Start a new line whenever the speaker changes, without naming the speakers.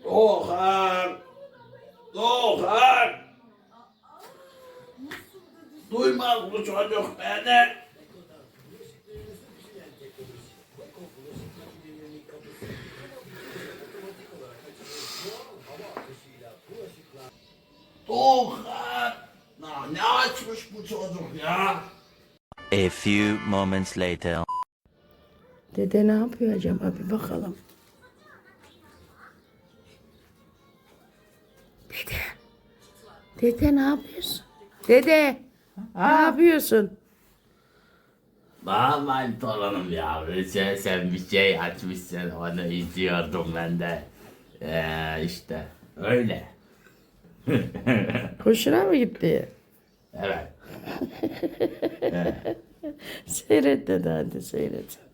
Doğan! Doğan! Duymaz bu çocuk beni. Doğan! Ne açmış bu çocuk ya?
A few moments later.
Dede ne yapıyor acaba bir bakalım. Dede. Dede ne yapıyorsun? Dede. Ne yapıyorsun?
Vallahi torunum ya. Sen bir şey açmışsın onu izliyordum ben de. İşte öyle.
Hoşuna mı gitti?
Evet.
Seyret dede hadi seyret.